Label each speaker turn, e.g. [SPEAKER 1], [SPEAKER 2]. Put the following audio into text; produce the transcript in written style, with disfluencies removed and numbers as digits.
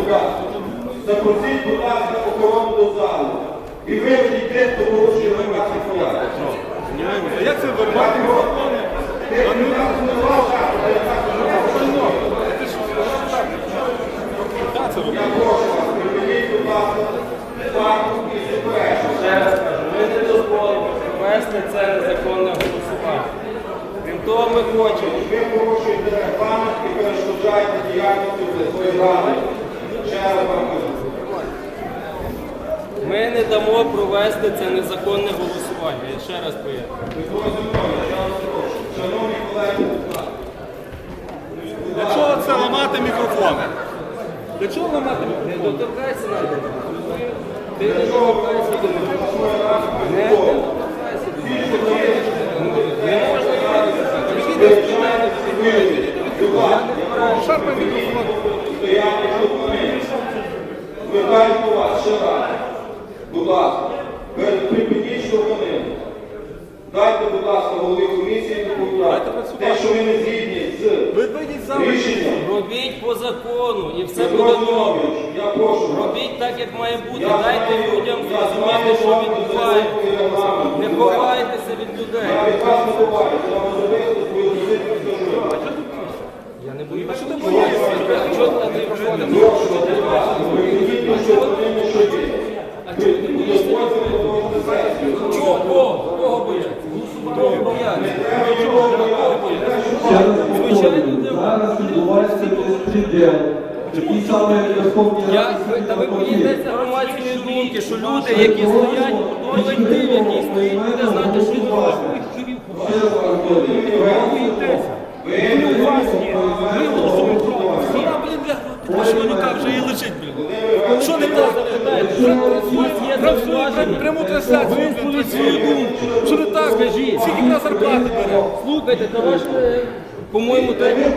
[SPEAKER 1] Запросіть, будь ласка, охорону до залу. І виведіть тих, хто порушує громадський порядок.
[SPEAKER 2] А як це вирвати?
[SPEAKER 1] Я прошу вас, припиніть, будь ласка, факту і суперечку.
[SPEAKER 3] Ще раз кажу, ми не дозволимо провести це незаконне голосування. Крім того, ми хочемо.
[SPEAKER 1] Ви порушуєте регламент і перешкоджаєте діяльності обласної ради. Ще раз вам кажу.
[SPEAKER 3] Ми не дамо провести це незаконне голосування. Я ще раз поясню.
[SPEAKER 1] Микола Зінович, я вас прошу. Шановні колеги,
[SPEAKER 2] Для чого це ламати мікрофони? Для чого ламати
[SPEAKER 3] Не
[SPEAKER 2] мікрофони?
[SPEAKER 3] доторкайся навіть. Ти не доторкайся до мене. Не доторкайся до мене. Не можна
[SPEAKER 2] Шарпай мікрофон.
[SPEAKER 1] стояти документи. Звертаюсь до вас ще раз. Будь ласка, припиніть штовханину. Дайте, будь ласка, голові комісії доповідати. Те, що ви не згідні з
[SPEAKER 2] Вийдіть за
[SPEAKER 1] рішенням.
[SPEAKER 3] Робіть по закону і все
[SPEAKER 1] Петро
[SPEAKER 3] буде добре.
[SPEAKER 1] Зінович, я прошу вас.
[SPEAKER 3] Робіть так, як має бути. Дайте людям зрозуміти, що відбувається. Не ховайтеся від людей.
[SPEAKER 1] Я від вас не ховаюся, я вам особисто свою позицію скажу.
[SPEAKER 3] Я не боюся. Що ти боїшся? Чого ти на той виходиш?
[SPEAKER 1] Прошу, будь ласка, припиніть штовханину, що є.
[SPEAKER 3] А чого ти боїшся?
[SPEAKER 1] Дозвольте продовжити сесію.
[SPEAKER 3] Чого? Кого бояться? Кого бояться?
[SPEAKER 4] Ще раз повторюю, зараз відбувається безпреділ. Такий самий Верховній Раді
[SPEAKER 3] Та ви боїтеся громадської думки, що люди, які стоять, колектив, який стоїть, буде знати, що відбувається.
[SPEAKER 4] Ще раз повторюю,
[SPEAKER 2] Ми голосуємо проти. Вона, блін, бля, що яка вже і лежить, блін. Що не так? Пряму трансляцію, блін, свою думку. Що не так?
[SPEAKER 3] Скажіть.
[SPEAKER 2] Скільки в нас зарплати бере?
[SPEAKER 3] Слухайте, то ваш, по-моєму,